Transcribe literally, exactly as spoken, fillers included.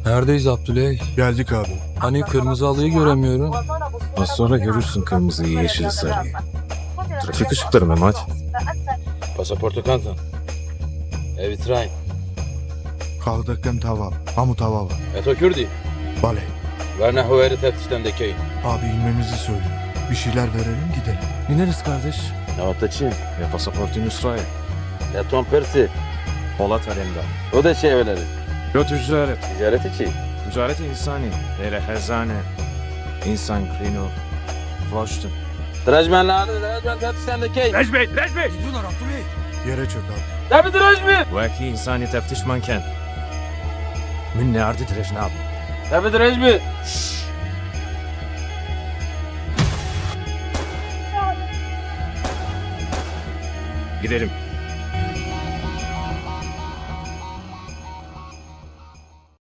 Neredeyiz Abdüley? Geldik abi. Hani kırmızı halıyı göremiyorum. Az sonra görürsün kırmızıyı, yeşili, sarıyı. Trafik ışıkları Mehmet. Pasaportu kanton. Evi train. Kaldıkken tamam. Hamu tamam. Eto Kürdi. Bale. Verne huveri teftişten dekeyin. Abi inmemizi söyle. Bir şeyler verelim gidelim. İneriz kardeş. Navattaçı. Ya pasaportun İsrail. Ya Tom Persi. Polat Alemdar. O da şey evleri. Yo ticaret. Ticaret içi. Ticaret insani. Böyle hezane. İnsan klino. Flaştın. Drajmenler, drajmen teftişten dekeyin. Rejbey, Rejbey! Yere çök abi. Tabi drajmen. Vaki insani teftiş manken. Min ne ardı direjnab. Tabi drajmen. Gidelim.